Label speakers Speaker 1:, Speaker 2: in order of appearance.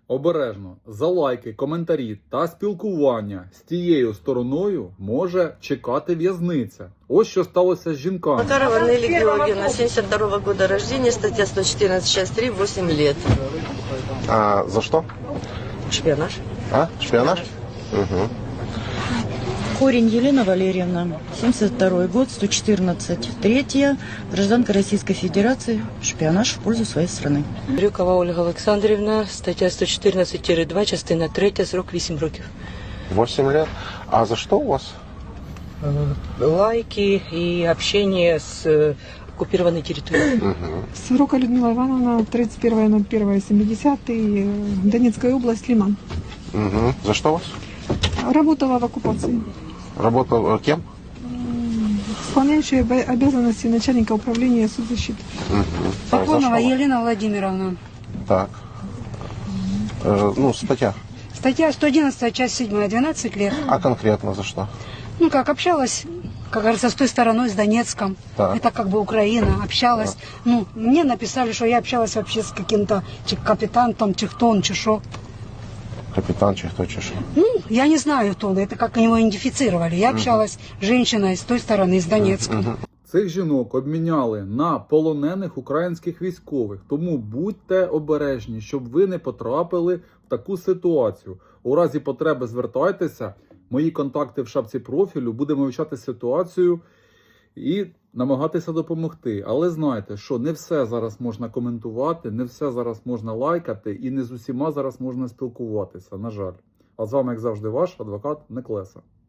Speaker 1: Обережно, за лайки, коментарі та спілкування з тією стороною може чекати в'язниця. Ось що сталося з жінками.
Speaker 2: Макарова Нелли Георгиевна, 72 года рождения, статья 114, часть 3, 8 лет.
Speaker 3: А за что?
Speaker 2: Шпионаж.
Speaker 3: А? Шпионаж? Угу.
Speaker 4: Корень Елена Валерьевна, 72 год, 114, третья, гражданка Российской Федерации, шпионаж в пользу своей страны.
Speaker 2: Брюкова Ольга Олександрівна, стаття 114-2, частина 3, срок 8 років.
Speaker 3: 8 лет. А за что у вас?
Speaker 2: Лайки и общение с оккупированной территорией.
Speaker 5: Сорока Людмила Ивановна, 31.01.70, Донецкая область, Лиман.
Speaker 3: Угу. За что у вас?
Speaker 5: Работала в оккупации.
Speaker 3: Работал кем?
Speaker 5: Исполняющая обязанности начальника управления соцзащиты.
Speaker 3: Угу.
Speaker 6: Сафонова Елена Владимировна.
Speaker 3: Так. Статья.
Speaker 6: Статья 111, часть 7, 12 лет.
Speaker 3: А конкретно за что?
Speaker 6: Ну, как общалась, как говорится, с той стороной, с Донецком.
Speaker 3: Так.
Speaker 6: Это как бы Украина. Общалась. Ну, мне написали, что я общалась вообще с каким-то капитаном, Чехтон, Чешо.
Speaker 3: Капитан Чехто Чешо.
Speaker 6: Ну, я не знаю, кто это, как его идентифицировали. Я общалась с женщиной с той стороны, с Донецка.
Speaker 1: Цих жінок обміняли на полонених українських військових. Тому будьте обережні, щоб ви не потрапили в таку ситуацію. У разі потреби звертайтеся. Мої контакти в шапці профілю. Будемо вивчати ситуацію і намагатися допомогти. Але знайте, що не все зараз можна коментувати, не все зараз можна лайкати і не з усіма зараз можна спілкуватися, на жаль. А з вами, як завжди, ваш адвокат Неклеса.